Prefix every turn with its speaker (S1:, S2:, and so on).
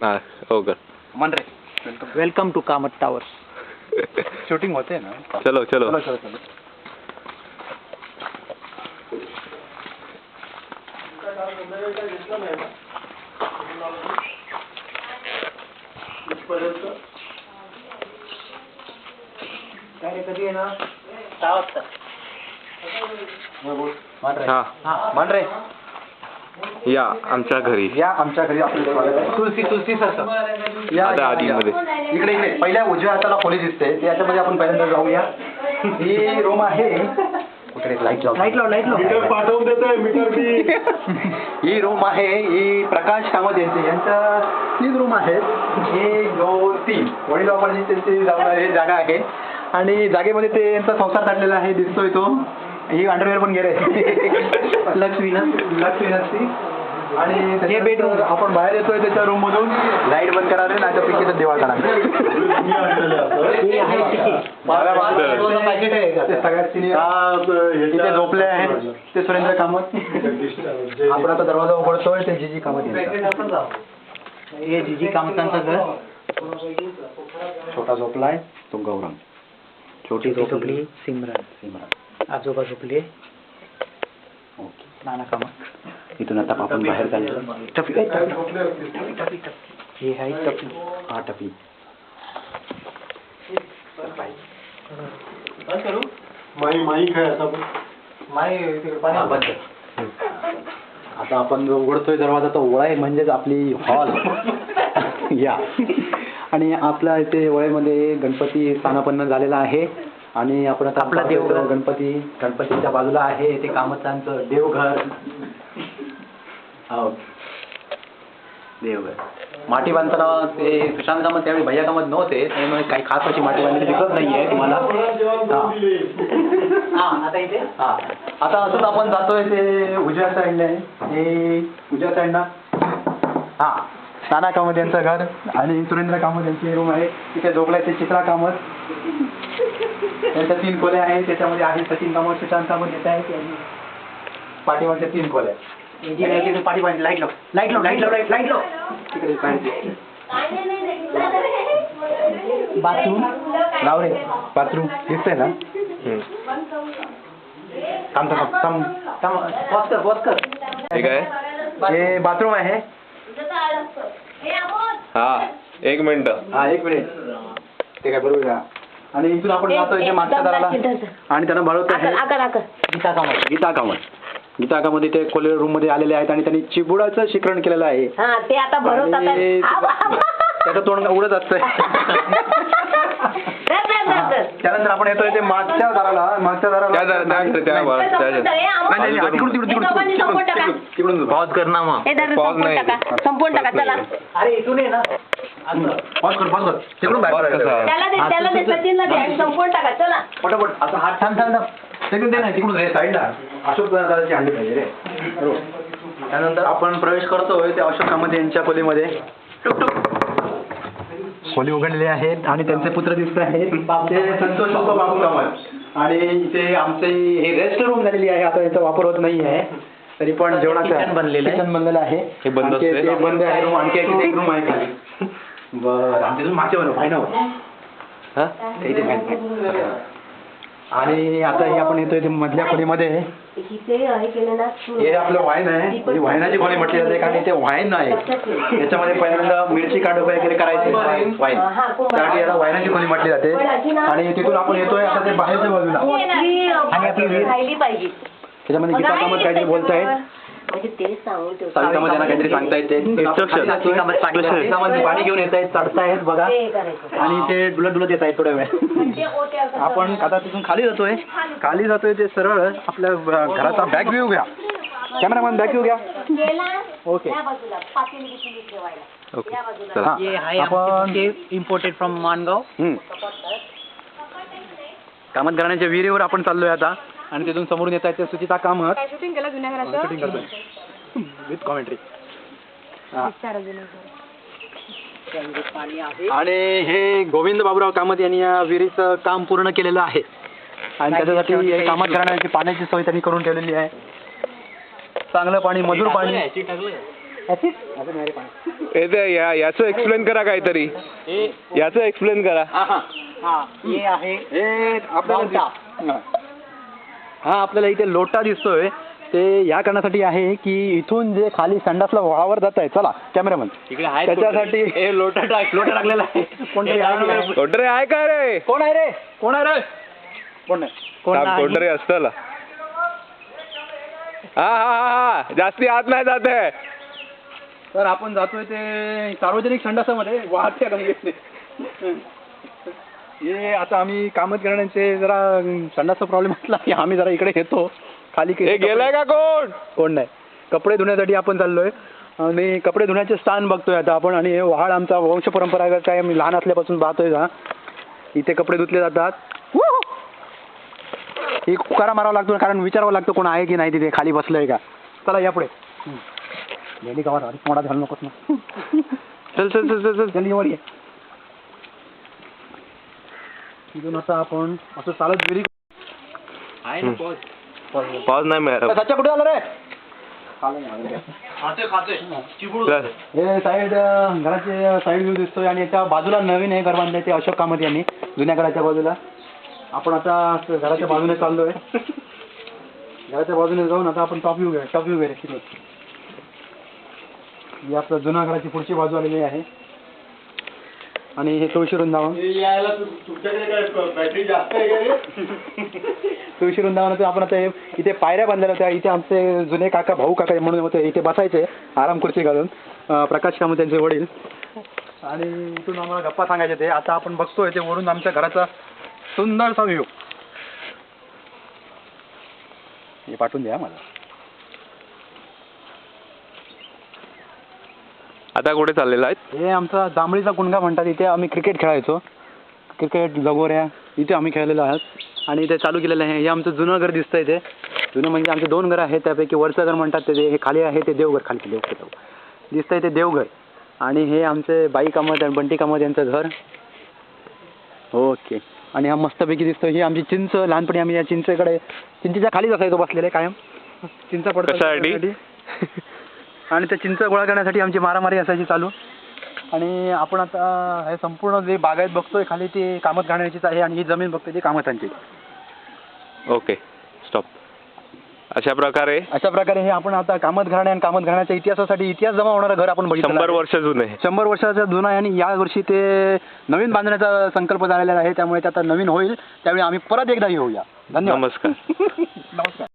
S1: हाँ होगा
S2: मन रे welcome to Kamat tower shooting होते हैं ना
S1: चलो चलो
S2: चलो चलो चलो कधी आहे ना 6 वाजता
S1: हाँ
S2: मन रे
S1: या आमच्या घरी
S2: या आमच्या घरी आपलं स्वागत आहे तुलसी सर या
S1: आता आतमध्ये.
S2: इकडे पहिल्या उजव्या हाताला खोली दिसते त्याच्यामध्ये आपण पहिल्यांदा जाऊया ही रूम आहे लाईट लाव
S3: मीटर पाठवून देतोय मीटर बी
S2: ही रूम आहे ही प्रकाश कामत यांच्या 3 रूम आहेत 1 2 3 वडिलोपार्जित त्यांची जागा आहे आणि जागेमध्ये ते यांचा संसार काढलेला आहे दिसतोय तो ही अंडरवेअर पण गेले लक्ष्मी आणि हे बेडरूम आपण बाहेर येतोय त्याच्या रूम मधून लाईट बंद करा रे नाही तर पिकेचा देवा करा सगळ्यात सिनियर इथे झोपले आहेत ते सुरेंद्र कामत आपण आता दरवाजा उघडतोय ते जीजी कामत हे जीजी कामतांचं घर छोटा झोपलाय तो गौरंग छोटी झोपली सिमरन आजोबा झोपले ओके नाना कामत इथून आता आपण बाहेर जायचं टपी हे आहे टपी हा टपी
S3: माई काय
S2: आता आपण जो उघडतोय दरवाजा तो ओळा आहे म्हणजेच आपली हॉल या आणि आपल्या इथे ओळ्यामध्ये गणपती स्थानापन्न झालेला आहे आणि आपण आता आपला देवघर गणपतीच्या बाजूला आहे ते कामतांचं देवघर देवघर माटी बांधताना ते सुशांत कामत त्यावेळी भैया कामत नव्हते त्यामुळे काही खास अशी माटी बांधलेली दिसत नाहीये तुम्हाला आता असंच आपण जातोय ते उजव्या साईडला आहे हे उजव्या साईडला हा नाना कामत यांचं घर आणि सुरेंद्र कामत यांची रूम आहे तिथे झोपलाय ते चित्रा कामत त्यांच्या 3 खोल्या आहेत त्याच्यामध्ये आहे सचिन कामत सुशांत कामत येत आहेत पाठीमागच्या 3 खोल्या पाठीमागे लाईट लाव तिकडे बाथरूम लाव रे बाथरूम दिसतंय ना
S1: ठीक आहे
S2: हे बाथरूम आहे
S1: हाँ 1 मिनिट
S2: हा 1 मिनिट ते काय बरोबर का आणि इथून आपण जातो इथे मागच्या दाराला आणि त्यांना भरवतो गीता कामत इथे खोले रूम मध्ये आलेले आहेत आणि त्यांनी चिबुडाचं शिकरण केलेलं आहे
S4: ते आता
S2: त्याचं तोंड उडत असतंय त्यानंतर आपण येतोय ते मागच्या दाराला
S1: तिकडून पॉज करना मग पॉज नाही
S4: संपूर्ण टाका चला
S2: अरे इथून ये ना पॉज कर तिकडून बाहेर
S4: संपूर्ण टाका चला
S2: पटापट असं हात थांब तिकडून दे ना तिकडून साईडला अशोक दादाची अंडी पाहिजे रे त्यानंतर आपण प्रवेश करतोय ते अशोक कामत यांच्या खोलीमध्ये खोली उघडलेली आहेत आणि त्यांचे पुत्र दिसत आहेत ते संतोष बाबू कामत आणि इथे आमचे हे रेस्ट रूम झालेली आहे आता याचा वापर होत नाही आहे तरी पण जेवणाचं किचन बनलेलं आहे
S1: हे बंद
S2: आहे रूम आणखी एक रूम आहे खाली बरं आमच्या तुम्ही मागच्या बरोबर फायनल आणि आता हे आपण येतोय मधल्या खोलीमध्ये हे आपलं वाईन आहे ही वाईनाची खोली म्हटली जाते कारण ते वाईन आहे त्याच्यामध्ये पहिल्यांदा मिरची काढून वगैरे करायचे वाईन त्यासाठी याला वाईनाची खोली म्हटली जाते आणि तिथून आपण येतोय आता ते बाहेरच्या बाजूला आणि आपली त्याच्यामध्ये गीता कामत काहीतरी बोलतायत काहीतरी सांगतायत ते पाणी घेऊन येत आहेत चढतायत बघा आणि ते डुलत येत आहेत थोड्या वेळ आपण आता तिथून खाली जातोय ते सरळ आपल्या घराचा बॅक व्ह्यू घ्या कॅमेरामॅन बॅक व्ह्यू घ्या ओके आपण
S5: इम्पोर्टेड फ्रॉम मानगाव
S2: कामत घराण्याच्या विहिरीवर आपण चाललोय आता आणि तिथून समोरून येत आहेत ते सुचिता कामत
S4: शूटिंग केलं जुन्या घराचं
S2: शूटिंग करतोय विथ कॉमेंट्री आणि हे गोविंद बाबूराव कामत यांनी या विहिरीचं काम पूर्ण केलेलं आहे आणि त्याच्यासाठी कामत घराण्याची पाण्याची सोय त्यांनी करून ठेवलेली आहे चांगलं पाणी मजूर पाणी
S1: याचं एक्सप्लेन करा काहीतरी. याचं एक्सप्लेन करा.
S5: ये आहे
S2: हे आपल्याला हा आपल्याला इथे लोटा दिसतोय ते या कारणासाठी आहे की इथून जे खाली संडासला वळावर जात आहे. चला कॅमेरामन
S5: इकडे आहे
S2: त्याच्यासाठी
S5: लोटा टाकलेला आहे.
S2: कोणतरी आहे.
S1: कोणतरी आहे का रे?
S2: कोण आहे रे? कोण आहे रे? कोण नाही.
S1: कोणतरी असतं. हा हा हा जास्ती आत नाही जात आहे.
S2: तर आपण जातोय ते सार्वजनिक संडासामध्ये वाहत्या गंगेत. हे आता आम्ही कामच करण्याचे जरा संडासचा प्रॉब्लेम असला की आम्ही जरा इकडे येतो खाली.
S1: हे गेलाय का कोण?
S2: कोण नाही. कपडे धुण्यासाठी आपण चाललोय आणि कपडे धुण्याचे स्थान बघतोय आता आपण. आणि हे वहाड आमचा वंश परंपरागत आहे. आम्ही लहान असल्यापासून पाहतोय का इथे कपडे धुतले जातात. ही उकारा मारावा लागतो कारण विचारावं लागतं कोण आहे की नाही तिथे खाली बसलंय का. चला या पुढे. गेली गावात आधी मोडा घालू नकोस ना.
S1: चल चल चल चल चल.
S2: जल्दी वर ये. तिथून आता आपण असं चालत विरी
S1: पॉज नाही मिळाला.
S2: सच्चा कुठे आलं रे?
S1: चल.
S2: हे साईड घराचे साईड व्ह्यू दिसतोय आणि याच्या बाजूला नवीन हे घर बांधलंय ते अशोक कामत यांनी जुन्या घराच्या बाजूला. आपण आता घराच्या बाजूने चाललोय. घराच्या बाजूने जाऊन आता आपण टॉप व्ह्यू घ्या. ही आपलं जुन्या घराची पुढची बाजू आलेली आहे. आणि हे तुळशी वृंदावन.
S3: तुमच्याकडे काय बॅटरी जास्त आहे का रे?
S2: तुळशी वृंदावनात आपण आता इथे पायऱ्या बांधलेल्या होत्या. इथे आमचे जुने काका भाऊ काका म्हणून होते इथे बसायचे आराम खुर्ची घालून. प्रकाश कामत त्यांचे वडील. आणि इथून आम्हाला गप्पा सांगायचे ते. आता आपण बघतोय ते वरून आमच्या घराचा सुंदरसा व्ह्यू. हे पाठवून द्या मला.
S1: आता कुठे चाललेला आहे?
S2: हे आमचा जांभळीचा कुंडा म्हणतात. इथे आम्ही क्रिकेट खेळायचो. क्रिकेट लगोऱ्या इथे आम्ही खेळलेलो आहोत. आणि इथे चालू केलेलं आहे. हे आमचं जुनं घर दिसतं इथे. जुनं म्हणजे आमचे 2 घरं आहेत. त्यापैकी वरचं घर म्हणतात ते हे खाली आहे ते देवघर. खाली देवघर दिसतंय ते देवघर. आणि हे आमचे बाई कामत आणि बंटी कामत यांचं घर. ओके. आणि हा मस्तपैकी दिसतो. ही आमची चिंच. लहानपणी आम्ही या चिंचेच्या खालीच असायचो बसलेले कायम. चिंचा पडतो आणि त्या चिंच गोळा करण्यासाठी आमची मारामारी असायची चालू. आणि आपण आता हे संपूर्ण जे बागायत बघतोय खाली ती कामत घालण्याचीच आहे. आणि ही जमीन बघतोय ती कामतांची.
S1: Okay stop. अशा प्रकारे
S2: हे आपण आता कामत घराणे आणि कामत घराण्याच्या इतिहासासाठी इतिहास जमा होणारं घर आपण बघितलं.
S1: 100 वर्ष जुने.
S2: 100 वर्षाचा जुना आहे. आणि या वर्षी ते नवीन बांधण्याचा संकल्प झालेला आहे. त्यामुळे ते आता नवीन होईल. त्यावेळी आम्ही परत एकदा येऊया. धन्यवाद.
S1: नमस्कार.
S2: नमस्कार.